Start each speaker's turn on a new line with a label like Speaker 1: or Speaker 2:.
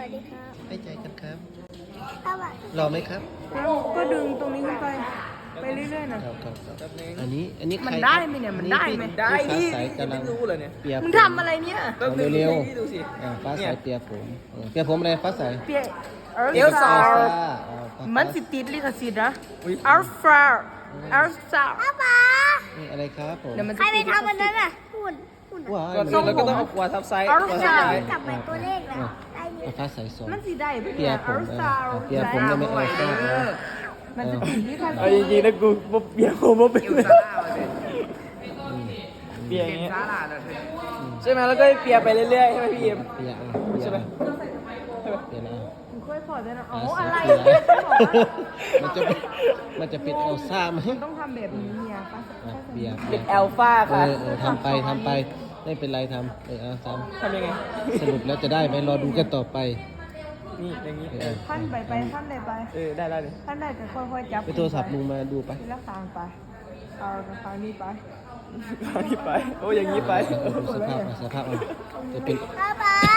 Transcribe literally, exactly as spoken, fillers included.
Speaker 1: วัสดีครับ
Speaker 2: ให้ใจกันครับ
Speaker 1: สวัสดี
Speaker 2: รอไหมครับ
Speaker 3: แล้วก็ดึงตรงนี้ขึ้นไปไปเรื่อยๆนะครับ
Speaker 2: ครับครับอันนี้อันนี้
Speaker 3: มัน
Speaker 2: ใคร
Speaker 3: ได้ไหมเนี่ยมันได้ไหม
Speaker 2: ได้
Speaker 4: ได้
Speaker 2: ที่
Speaker 4: ดิ
Speaker 2: ฟ้าใสกำลัง
Speaker 4: ไม่รู้เลยเนี่ย
Speaker 2: เปียก
Speaker 3: มึงทำอะไรเนี่ย
Speaker 2: เอาเร็ว
Speaker 4: พี่ดูสิ
Speaker 2: ๆอ่าฟ้าใส
Speaker 4: เนี่ย
Speaker 2: เปียกผมเออเปียกผมอะไรฟ้าใส
Speaker 3: เปียเอ
Speaker 4: เอลซ่า
Speaker 3: ล
Speaker 2: อ๋อฟ้า
Speaker 3: มันสิติดลิขสิทธิ์นะ
Speaker 4: อุ๊ย
Speaker 3: อัลฟาอัลซา
Speaker 1: ป้าป๋า
Speaker 2: นี่อะไรครับผม
Speaker 3: เดี๋ยวมัน
Speaker 1: ใครไปทำอันนั้นอ่ะหุ่นหุ่น
Speaker 2: ว้า
Speaker 4: ก่อนอื่นเราก็ต้องเอาขวดทับไซส์
Speaker 3: เอา
Speaker 4: ขวด
Speaker 3: ใช่
Speaker 4: ทับไซส์
Speaker 1: กลับไปตัวเลขแล้วได้เย
Speaker 2: เอา
Speaker 1: อะ
Speaker 2: ฟ้าใสสอง
Speaker 3: มันสิได้ปะ
Speaker 2: เปี
Speaker 3: เนี่ย ย
Speaker 2: ผ
Speaker 3: อั
Speaker 2: ม
Speaker 3: ลซา
Speaker 2: เออเปียผมจะไม่เอาฟ้าเออ
Speaker 3: มันจะติดลิข
Speaker 4: เอา
Speaker 3: สิ
Speaker 4: จ
Speaker 3: ทธิ์
Speaker 4: ริงๆนะกูบ่เปียกผมบ่เป็น
Speaker 5: เอล
Speaker 4: เลย
Speaker 5: ซ่าเลย
Speaker 2: อืม
Speaker 4: เปียกอย่างเงี้ย
Speaker 5: ซาลาเลย
Speaker 4: ใช่ไหมแล้วก็เปียกไปเรื่อยๆใช่ไหมพี่เอ็ม
Speaker 2: เปียกอ่ะเปียก
Speaker 4: ใช่ไหม
Speaker 2: อ่ะเปียกนะ
Speaker 3: มึงค่อยพอได้นะ
Speaker 2: ฟ้า
Speaker 3: อ๋อ
Speaker 2: ใส
Speaker 3: อะไร
Speaker 2: เปียก
Speaker 3: เนี่ยบอกว่า
Speaker 2: มันจะเป็นมันจะเป็นเอลซ่าไหม
Speaker 3: ต้องทำแบบนี้เนี่ยป้า
Speaker 2: อ่ะเปียก
Speaker 4: เป็นแอลฟา
Speaker 2: เอ
Speaker 4: ค่ะ
Speaker 2: อเออทำไปทำไปไม่เป็นไรทำเออเอาท
Speaker 4: ทำยังไง
Speaker 2: ำสรุปแล้วจะได้ไหมรอดูกันต่อไป
Speaker 4: นี่อย่างนี้
Speaker 2: เอ
Speaker 4: เอ
Speaker 2: อ
Speaker 4: อ
Speaker 3: ท่านไปไปท่านใดไป
Speaker 4: เออได้ได้เลย
Speaker 3: ท่านใดก็ค่อยๆจับ
Speaker 2: ไปโทรศัพท์ลุงมาดูไป
Speaker 3: ทีละคางไปเอาคางนี้ไป
Speaker 4: เอาอย่างนี้ไปโอ้อย่างนี้ไป
Speaker 2: เออดูสภาพเอาสภาพเอาจะเป็น
Speaker 1: ป้าป๋า